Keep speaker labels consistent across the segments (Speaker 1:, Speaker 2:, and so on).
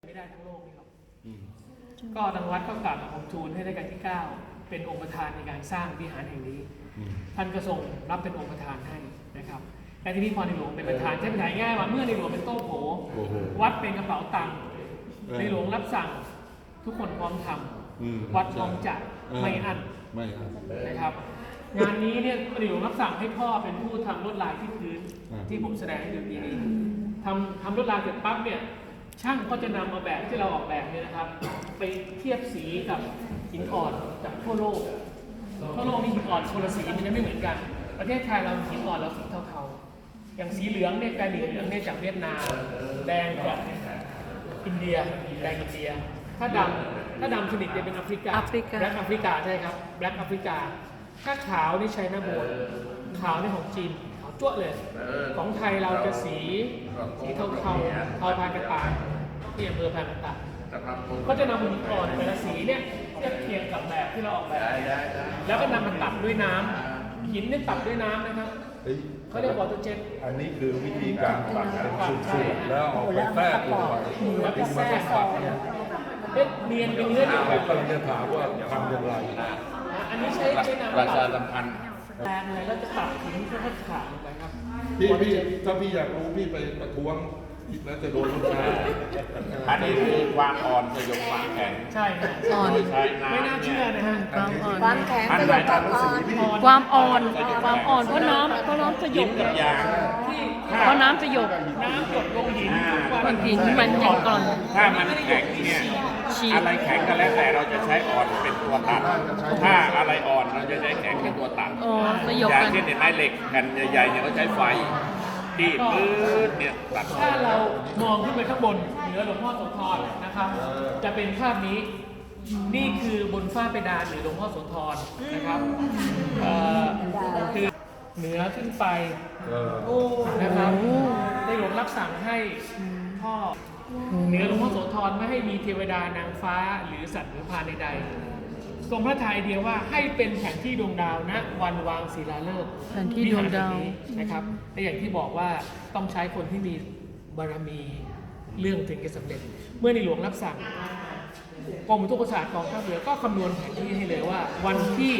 Speaker 1: ไม่ได้ทั้งโลกนี่หรอกก็ทางวัดก็กราบผมทูลให้รัชกาลที่ 9เป็นองค์ประธานในการสร้างวิหารแห่งนี้ท่านก็ทรงรับเป็นองค์ประธานให้นะครับและที่นี่พอในหลวงเป็นประธานใช้ภาษาง่ายว่าเมื่อในหลวงเป็นโต๊ะโผวัดเป็นกระเป๋าตังค์ในหลวงรับสั่งทุกคนพร้อมทำวัดพร้อมจัดไม่อั้นนะครับงานนี้เนี่ยในหลวงรับสั่งให้พ่อเป็นผู้ทำลวดลายที่พื้นที่ผมแสดงให้ดูปีนี้ทำลวดลายเสร็จปั๊บเนี่ยช่างก็จะนำเอาแบบที่เราออกแบบเนี่ยนะครับไปเทียบสีกับหินอ่อนจากทั่วโลกมีหินอ่อนคนละสีมันจะไม่เหมือนกันประเทศไทยเราหินอ่อนเราสีเทาๆอย่างสีเหลืองเนี่ยกลายเป็นเหลืองเนี่ยจากเวียดนามแดงจากอินเดียแดงอินเดียถ้าดำสนิทจะเป็นแบล็คแอฟริกาใช่ครับแบล็คแอฟริกาถ้าขาวนี่ใช้หน้าโบนขาวนี่ของจีนขาวจั่วเลยของไทยเราจะสีเทาเทาพานกระต่ายที่อำเภอพานกระต่ายก็จะนำหินอ่อนแต่ละสีเนี่ยเทียบเคียงกับแบบที่เราออกแบบแล้วก็นำมาตัดด้วยน้ำหินเนี่ยตัดด้วยน้ำนะครับเขาเรียกวอเตอร์เจ็ต
Speaker 2: อันนี้คือวิธีการตัดเป็นสูตรแล้วเอาไปแทรกลงไป
Speaker 1: แล้วก็แทรกเนียนเป็นเนื้อเดียวกัน
Speaker 2: กำลังจะถามว่าทำอย่างไร
Speaker 1: อันนี้ใช้น้ำ
Speaker 2: ประชาสัมพันธ์
Speaker 1: แรงอะไรก็จะตัดหินเพื่อให้ขาดลงไปครับ
Speaker 2: พี่ถ้าพี่อยากรู้พี่ไปประท้วงแล้วจะโดนลูกค้า
Speaker 3: อันนี้คือความอ่อนสยบความแข็ง
Speaker 1: ใช่ฮะ
Speaker 3: อ่อน
Speaker 1: ไม่น่าเชื่อนะฮะ
Speaker 4: ความแข็งสยบความอ่อน
Speaker 5: ความอ่อนเพราะน้ำสยบ
Speaker 3: กับยาง
Speaker 5: เพราะน้ำสยบ
Speaker 1: น้ำหยดลงหิน
Speaker 5: มันยังก่อน
Speaker 3: ถ้ามันแข็งเนี่ยอะไรแข็งก็แล้วแต่เราจะใช้อ่อนเป็นตัวตัดถ้าอะไรอ่อนเราจะใช้แข็งเป็นตัวตัดอย่างเช่นไม้เหล็กแผ่นใหญ่ๆเนี่ยเขาใช้ไฟที่ปื้ดเนี่ยตัด
Speaker 1: ถ้าเรามองขึ้นไปข้างบนเหนือหลวงพ่อโสธรนะครับจะเป็นภาพนี้นี่คือบนฝ้าเพดานหรือหลวงพ่อโสธรนะครับคือเหนือขึ้นไปนะครับในหลวงรับสั่งให้พ่อเหนือหลวงพ่อโสธรไม่ให้มีเทวดานางฟ้าหรือสัตว์หรือพรานใดๆทรงพระทัยเดียวว่าให้เป็นแผนที่ดวงดาวณวันวางศิลาฤกษ์
Speaker 5: แผนที่ดวงดาว
Speaker 1: นะครับและอย่างที่บอกว่าต้องใช้คนที่มีบารมีเรื่องถึงจะสำเร็จเมื่อในหลวงรับสั่งกรมอุตุศาสตร์กองทัพเรือก็คำนวณแผนที่ให้เลยว่าวันที่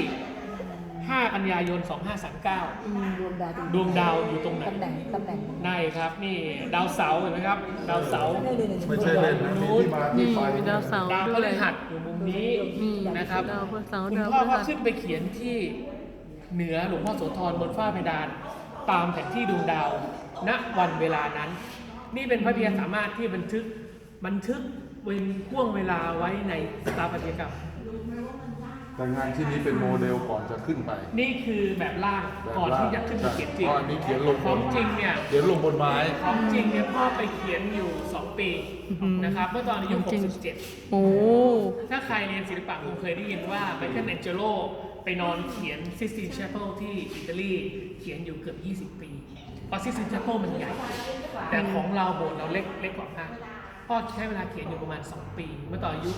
Speaker 1: 5 กันยายน 2539ดวงดาวอยู่ตรงไหน
Speaker 4: ตำแหน่ง
Speaker 1: ได้ครับนี่ดาวเสาร์เห็นไหมครับดาวเสาร์
Speaker 2: ไม่ใช่เล่นนะมีที่มาที่ไป
Speaker 5: ดาวเสาร์
Speaker 1: ดาวพฤหัสอยู่มุมนี้นะครับคุณพ่อก็ขึ้นไปเขียนที่เหนือหลวงพ่อโสธรบนฝ้าเพดานตามแผนที่ดวงดาวณวันเวลานั้นนี่เป็นพระเพียรสามารถที่บันทึกเป็นห่วงเวลาไว้ในสถาปัตยกรรม
Speaker 2: แต่งานที่นี้เป็นโมเดลก่อนจะขึ้นไป
Speaker 1: นี่คือแบบล่างก่อนที่จะขึ้นไปเขียนจริง
Speaker 2: อันนี้เขียนลง
Speaker 1: ของจริงเนี่ย
Speaker 2: เขียนลงบนไม้
Speaker 1: ของจริงเนี่ยพ่อไปเขียนอยู่2 ปีนะครับเมื่อตอนอายุ67ถ้าใครเรียนศิลปะคงเคยได้ยินว่าไมเคิลแองเจโลไปนอนเขียนซิสตินแชเปิลที่อิตาลีเขียนอยู่เกือบ20 ปีเพราะซิสตินแชเปิลมันใหญ่แต่ของเราโบสถ์เราเล็กกว่าพ่อใช้เวลาเขียนอยู่ประมาณ2 ปีเมื่อตอนอายุ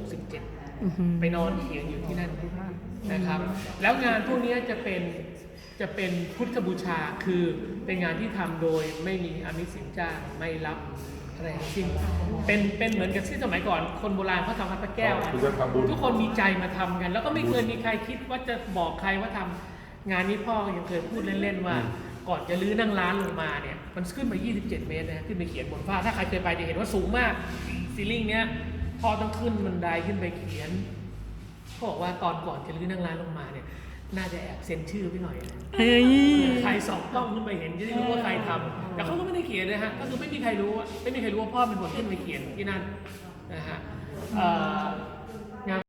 Speaker 1: 67ไปนอนเขียนอยู่ที่นั่นนะครับแล้วงานพวกนี้จะเป็นพุทธบูชาคือเป็นงานที่ทำโดยไม่มีอามิสสินจ้างไม่รับอะไรทั้งสิ้นเป็นเหมือนกับที่สมัยก่อนคนโบราณเขาทำพระแก้วทุกคนมีใจมาทำกันแล้วก็ไม่เคยมีใครคิดว่าจะบอกใครว่าทำงานนี้พ่อยังเคยพูดเล่นๆว่าก่อนจะลื้อนั่งร้านลงมาเนี่ยมันขึ้นไป27 เมตรนะขึ้นไปเขียนบนฝ้าถ้าใครเคยไปจะเห็นว่าสูงมากซีลิ่งเนี้ยพ่อต้องขึ้นบันไดขึ้นไปเขียนเขาบอกว่าก่อนจะลื้อนั่งร้านลงมาเนี่ยน่าจะแอบเซ็นชื่อไปหน่อยใครสอบต้องขึ้นไปเห็นจะได้รู้ว่าใครทำแต่เขาก็ไม่ได้เขียนนะฮะก็คือไม่มีใครรู้ว่าพ่อเป็นคนขึ้นไปเขียนที่นั่นนะฮะ